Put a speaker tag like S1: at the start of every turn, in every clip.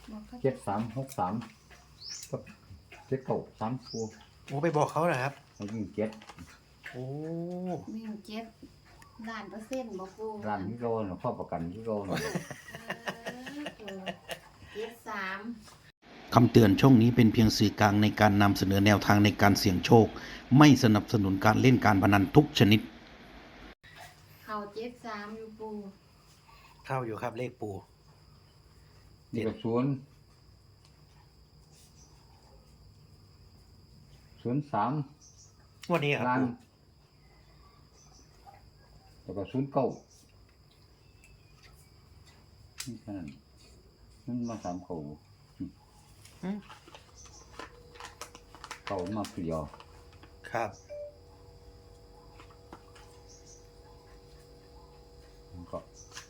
S1: 7363ก็793ตัว
S2: โอ้ไปบอกเขาเหรอครับ
S1: ให้วิ่งเจ็ด
S2: โอ้
S3: วิ่ง7ล้าน%บ่ปู
S1: ร้านที่โดนข้อประกันที่โดน
S3: 73
S4: คำเตือนช่องนี้เป็นเพียงสื่อกลางในการนำเสนอแนวทางในการเสี่ยงโชคไม่สนับสนุนการเล่นการพนันทุกชนิด
S3: เข้า73อยู่ปู
S2: เข้าอยู่ครับเลขปู่
S1: นี่ก็03
S2: งวดนี้ครับ
S1: ล้าน
S2: ปู่
S1: แล้วก็09นี่แค่นั้นมันมา3เก่าเก่ามาเปลี่ยว
S2: ครับ
S1: ก็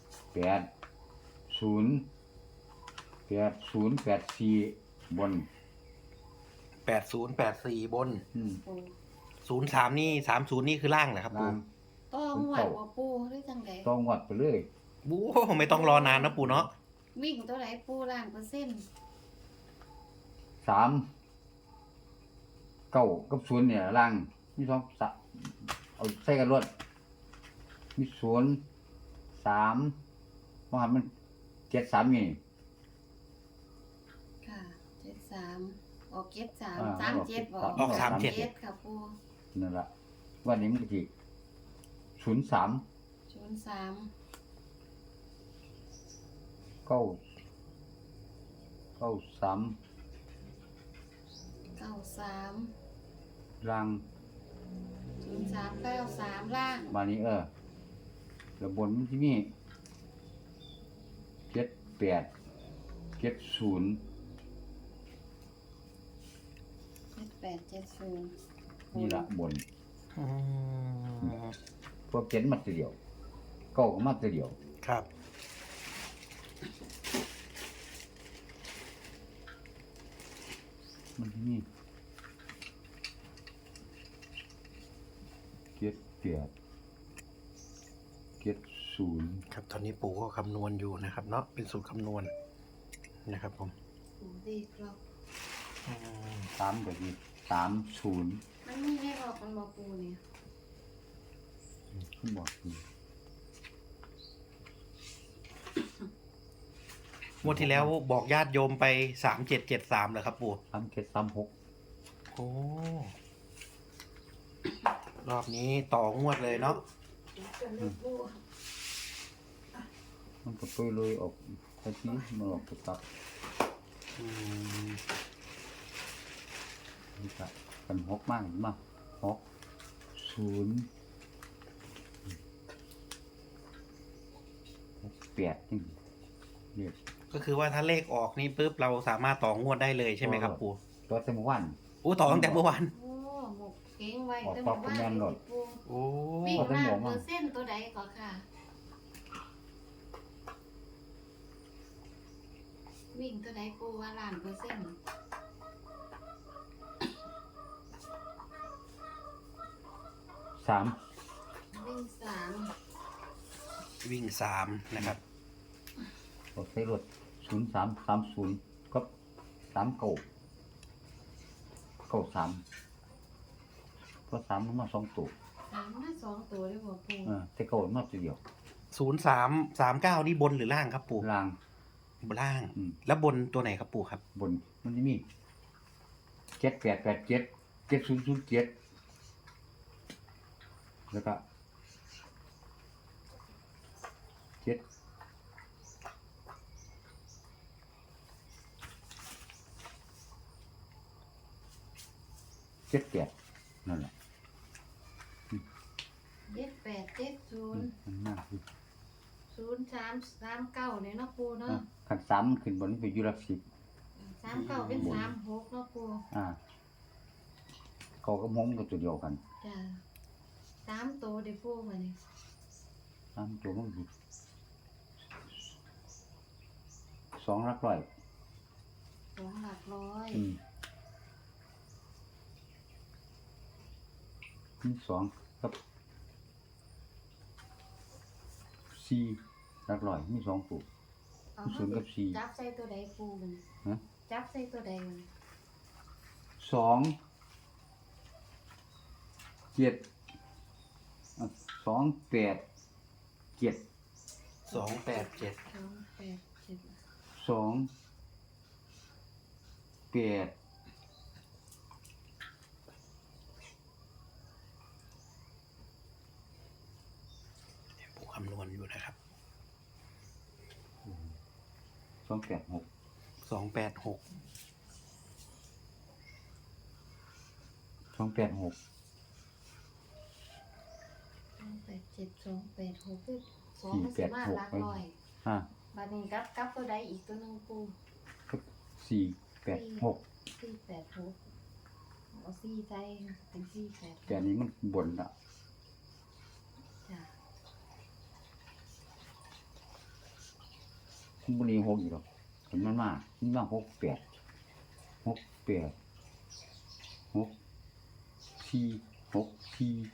S1: 8084บน
S2: 8084บน
S3: ปู
S2: 03นี่30นี่คือล่างเหรอครับ
S1: ล่า
S2: ปู่
S1: ง
S3: ต้องหวัดบ่ปูหรือจังได๋
S1: ต้องวัดไปเลย
S2: บู๊ไม่ต้องรอนานนะปู่เนาะ
S3: วิ่งตัวไหนปู1,000%
S1: 3 9กับ0เนี่ยล่างมี2เอาใส่กันรวดมี0 3บ่หันมัน73นี่
S3: ค่ะ73ออก73 37บ่
S2: ออก37
S3: 37ค่ะปู
S1: นั่นล่ะวันนี้มันก็สิ03
S3: 03
S1: 9 93
S3: 93
S1: ล่าง
S3: 0393ล่าง
S1: มานี้แล้วบนมันสิมี78 70
S3: 7870
S1: นี่ล่ะบน
S2: อืม
S1: พวกเจ็ดมาตัวเดียวเก้าก็มาตัวเดียว
S2: ครับ
S1: มันมี70
S2: ครับตอนนี้ปู่ก็คำนวณอยู่นะครับเนาะเป็นสูตรคำนวณนะครับผม
S3: ปูดีกรอบ
S2: อืม
S1: 3ก็สิ30
S3: มันมีให้บอกมันบ่ปูเนี่ย
S1: ขึ้นบอกนี่
S2: งวดที่แล้วบอกญาติโยมไป3773เหรอครับปู่
S1: 3736
S2: โอ้รอบนี้ต่องวดเลยเนาะ
S3: ปู
S1: มันก็ไปเลยออกไปที่มันออกไปตัก
S2: อืม
S1: นี่ก็กัน6มากมา6 0 8นี่เรียก
S2: ก็คือว่าถ้าเลขออกนี่ปุ๊บเราสามารถต่องวดได้เลยใช่ไหมครับปู่
S1: ตัวเต็มวัน
S2: โอ้ต่อตั้งแต่เมื่อวาน
S3: โอ้หมกเก่งไว้
S1: ออก
S3: ตั้ง
S1: ปอก
S3: แต่
S1: แม่นโลด
S3: ปู
S2: โอ้
S3: วิ่ง
S1: ออกเป็นหม
S3: ล้า
S1: อง
S3: น
S1: มา
S3: เปอร์เซ็นต์ตัวใดก่อนค่ะ วิ่งตัวใดปูว่าล้านเปอร์เซ็นต์
S1: 3
S3: วิ่ง3
S2: วิ่ง3นะครับ
S1: ออกใส่รถ0330กับ39 93ก็3มันมา2ตัว
S3: 3มา2ตัวเลยบ่ปู
S1: แต่เก่ามาตัวเดียว
S2: 0339นี่บนหรือล่างครับปู่
S1: ล่าง
S2: บนล่าง
S1: อืม
S2: แล้วบนตัวไหนครับปู่ครับ
S1: บนมันจะมี7887 7007แล้วก็7 78นั่นแหละ
S3: 7870
S1: มันมากคือ
S3: 0339เนี่ยเนาะปูเนาะ
S1: ขัน3มันขึ้นบนนี้ไปอยู่หลัก10
S3: 39เป็น36เนาะปู
S1: เขากับหงก็ตัวเดียวกัน
S3: จ้ะ3ตัวได้ปูบัดนี้
S1: 3ตัวมันสิ2หลักร้อย
S3: 2หลักร้อย
S1: มี2กับ4หลักร้อยมี2ตัว
S3: เอา
S1: ศูนย์กับสี่
S3: จับใส่ตัวใดปูมัน
S1: ฮะ
S3: จับใส่ตัวใดมัน
S1: 2 7 2 8 7
S2: 287
S3: 287
S1: 2 8
S2: ปูคำนวณอยู่นะครับ
S1: 286
S2: 286
S1: 286
S3: 287 286คือ2มันสิมาหลักร้อย
S1: ฮะ
S3: บัดนี้กับตัวใดอีกตัวหนึงปู
S1: 486
S3: 486เอา4ใส่เป็น486
S1: แต่อันนี้มันบนละ
S3: จ้ะ
S1: มันนี่6อยู่หรอกเห็นมันมา68 68 6 4 6 4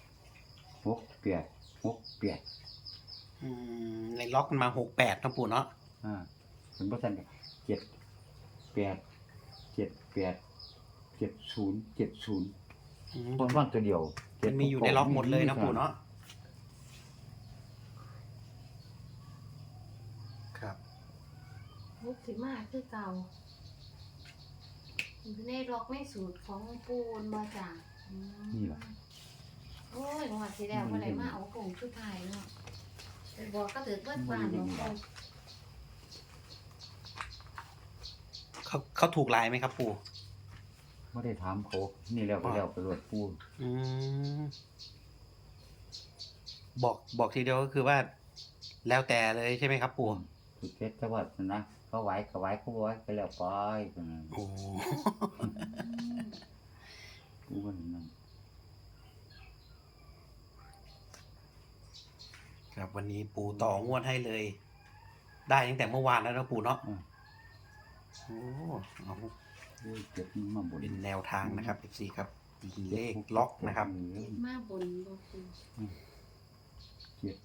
S1: 68 68
S2: ในล็อกมันมา68นะปู่เนาะ
S1: เป็นเปอร์เซ็นต์7 8 7 8 70 70
S2: อืม
S1: บนว่างตัวเดียว
S2: มันมีอยู่ในล็อกหมดเลยนะปู่เนาะครับ
S3: มุกสิมาคือเก่าอยู่ในล็อกในสูตรของปูนบ่จ้ะอืม
S1: นี่ล่ะ
S3: โอ้ยงวดที่แล้วบ่ได้มาเอาผงชุดไทยเนาะไปบอกก็ถือเบิดบ้านเนาะ
S2: เขาถูกลายไหมครับปู่
S1: ไม่ได้ถามเขานี่แล้วก็แล้วไปรวดปูน
S2: อืมบอกทีเดียวก็คือว่า แล้วแต่เลยใช่ไหมครับปู่
S1: สุดเพชรจังหวัดนะเขาไหวเขาไหวเขาไหวไปแล้วไป
S2: โอ้
S1: ปูมันนั่น
S2: ครับวันนี้ปู่ต่องวดให้เลย ได้ตั้งแต่เมื่อวานแล้วนะปู่เนาะโอ้เอา
S1: เจ็บมันมาบน
S2: เป็นแนวทางนะครับ FC ครับตีเลขล็อกนะครับ
S3: เจ็ดมาบนบ่ปู
S1: เจ็บ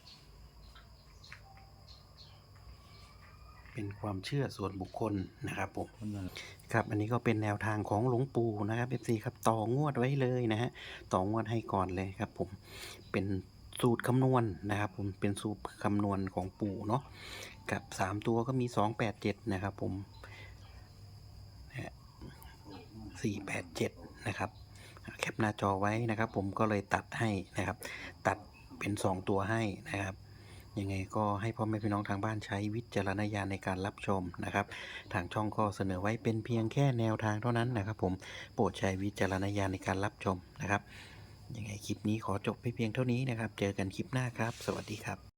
S2: เป็นความเชื่อส่วนบุคคลนะครับผม
S1: คนนั้น
S2: ครับอันนี้ก็เป็นแนวทางของหลวงปู่นะครับ FC ครับต่องวดไว้เลยนะฮะต่องวดให้ก่อนเลยครับผมเป็นสูตรคำนวณนะครับผมเป็นสูตรคำนวณของปู่เนาะกับ3ตัวก็มี287นะครับผม487นะครับแคปหน้าจอไว้นะครับ ผมก็เลยตัดให้นะครับ ตัดเป็น2ตัวให้นะครับยังไงก็ให้พ่อแม่พี่น้องทางบ้านใช้วิจารณญาณในการรับชมนะครับ ทางช่องก็เสนอไว้เป็นเพียงแค่แนวทางเท่านั้นนะครับ ผมโปรดใช้วิจารณญาณในการรับชมนะครับยังไงคลิปนี้ขอจบไปเพียงเท่านี้นะครับ เจอกันคลิปหน้าครับ สวัสดีครับ